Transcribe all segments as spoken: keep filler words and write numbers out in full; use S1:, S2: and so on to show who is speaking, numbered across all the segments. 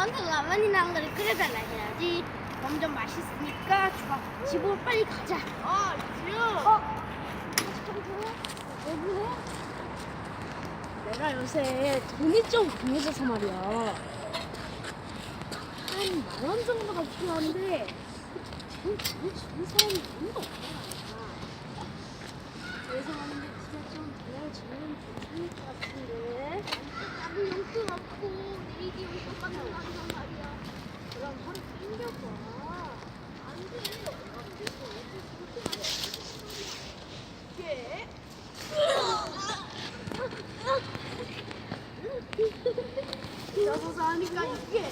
S1: 먼저 라면이나 한 그릇 끓여달라 해야지. 점점 맛있으니까 좋아. 집으로 빨리 가자. 아, 지우. 어? 왜 그래? 내가 요새 돈이 좀 구해져서 말이야. 한 만 원 정도가 필요한데 돈 주는 사람이 아무도 없잖아. 그래서 하는데 진짜 좀 도와주면 괜찮을 것 같은데. 나도 용돈 없고 내일이 용돈 받는 날이란 말이야. 그럼 하루 땡겨봐. 안 돼. 안 돼. 이게? 여기서 하니까 이게?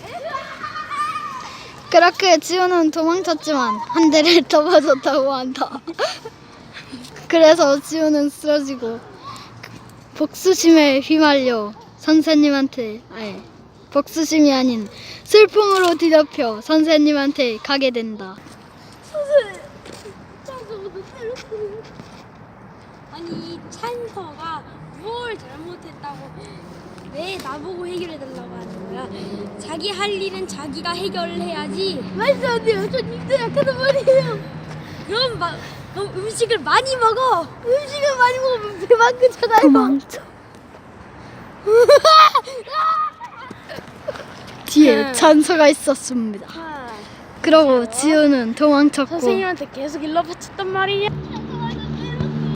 S2: 그렇게 지우는 도망쳤지만 한 대를 더 맞았다고 한다. 그래서 지우는 쓰러지고 복수심에 휘말려 선생님한테 아니 복수심이 아닌 슬픔으로 뒤덮여 선생님한테 가게 된다.
S1: 선생님, 저도 때렸어요.
S3: 아니 찬서가 뭘 잘못했다고 왜 나보고 해결해달라고 하는 거야? 자기 할 일은 자기가 해결을 해야지.
S1: 말도 안 돼요. 저 님도 약하단 말이에요.
S3: 그럼 마, 그럼 음식을 많이 먹어.
S1: 음식을 많이 먹으면 배만 크잖아요.
S2: 도망쳐. 뒤에 찬서가 있었습니다. 그러고 지우는 도망쳤고
S1: 선생님한테 계속 일러 바쳤단 말이냐?